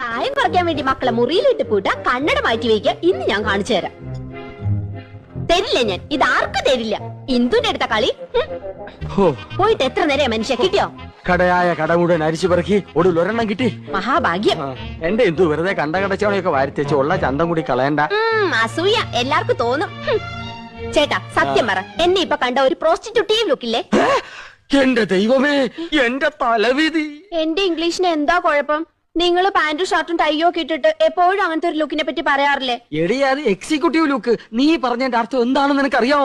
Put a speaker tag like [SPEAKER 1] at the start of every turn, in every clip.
[SPEAKER 1] പ്രായം കുറയ്ക്കാൻ വേണ്ടി മക്കളെ മുറിയിലിട്ട് പൂട്ട കണ്ണട മാറ്റി വയ്ക്കുക. ഇന്ന് ഞാൻ കാണിച്ചു തരാം. തരില്ല ഞാൻ, ഇത് ആർക്കും തരില്ല. ഇന്ദുന്റെ അടുത്ത കളി. പോയിട്ട് എത്ര നേരം മനുഷ്യ കിട്ടിയോ?
[SPEAKER 2] കടയായ കട മുഴുവൻ അരിച്ചു പെറുക്കി ഒടുവിൽ ഒരെണ്ണം കിട്ടി.
[SPEAKER 1] മഹാഭാഗ്യം.
[SPEAKER 2] എന്റെ ഇന്ദു വെറുതെ കടച്ചവണയൊക്കെ വാരിത്തേച്ച് ഉള്ള ചന്തം കൂടി കളയണ്ട.
[SPEAKER 1] അസൂയ എല്ലാവർക്കും തോന്നും. ചേട്ടാ സത്യം പറ, എന്നെ ഇപ്പൊ കണ്ട ഒരു പ്രോസ്റ്റിറ്റ്യൂട്ടീവ് ലുക്കില്ലേ?
[SPEAKER 2] എന്റെ ദൈവമേ, എന്റെ തലവിധി.
[SPEAKER 1] എന്റെ ഇംഗ്ലീഷിന് എന്താ കുഴപ്പം? നിങ്ങൾ പാന്റും ഷർട്ടും ടൈയോ ഒക്കെ ഇട്ടിട്ട് എപ്പോഴും അങ്ങനത്തെ ഒരു ലുക്കിനെ പറ്റി പറയാറില്ലേ?
[SPEAKER 2] എടി അത് എക്സിക്യൂട്ടീവ് ലുക്ക്. നീ പറഞ്ഞതിന്റെ അർത്ഥം എന്താണെന്ന് നിനക്കറിയാമോ?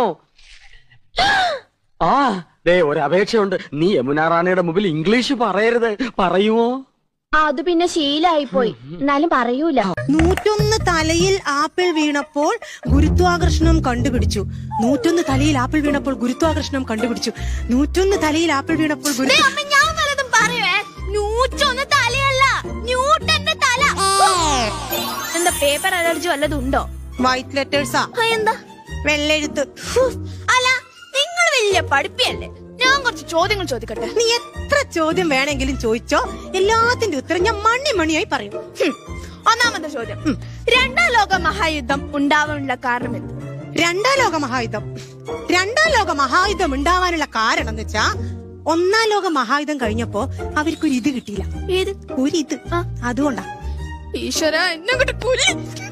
[SPEAKER 2] ആ ദേ ഒരു അപേക്ഷയുണ്ട്. നീ യമുന റാണിയുടെ മുമ്പിൽ ഇംഗ്ലീഷ് പറയരുത്. പറയുമോ?
[SPEAKER 1] അത് പിന്നെ ശീലായിപ്പോയി. എന്നാലും പറയൂല.
[SPEAKER 3] 101 തലയിൽ ആപ്പിൾ വീണപ്പോൾ ഗുരുത്വാകർഷണം കണ്ടുപിടിച്ചു. 101 തലയിൽ ആപ്പിൾ വീണപ്പോൾ ഗുരുത്വാകർഷണം കണ്ടുപിടിച്ചു. 101 തലയിൽ ആപ്പിൾ വീണപ്പോൾ
[SPEAKER 1] ഞാൻ വല്ലതും പറയുവേ. 101 തലയല്ല, ന്യൂട്ടന്റെ തല. എന്താ പേപ്പർ അലർജി വല്ലതും ഉണ്ടോ?
[SPEAKER 3] വൈറ്റ് ലെറ്റേഴ്സാ.
[SPEAKER 1] എന്താ
[SPEAKER 3] വെള്ളെഴുത്ത്.
[SPEAKER 1] അല്ല, നിങ്ങൾ വലിയ പഠിപ്പിയല്ലേ. ഞാൻ കുറച്ച് ചോദ്യങ്ങൾ ചോദിക്കട്ടെ?
[SPEAKER 3] നീ എത്ര ചോദ്യം വേണമെങ്കിലും ചോദിച്ചോ, എല്ലാത്തിന്റെ ഉത്തരം ഞാൻ മണിയായി പറയും.
[SPEAKER 1] ഒന്നാമത്തെ ചോദ്യം, രണ്ടാം ലോക മഹായുദ്ധം ഉണ്ടാവാനുള്ള കാരണം എന്ത്?
[SPEAKER 3] രണ്ടാം ലോക മഹായുദ്ധം ഉണ്ടാവാനുള്ള കാരണം എന്ന് വെച്ചാ, ഒന്നാം ലോക മഹായുദ്ധം കഴിഞ്ഞപ്പോ അവർക്കൊരു ഇത് കിട്ടിയില്ല.
[SPEAKER 1] ഏത്
[SPEAKER 3] ഒരിത്. അതുകൊണ്ടാ.
[SPEAKER 1] ഈശ്വര, എന്നെ കൊണ്ട്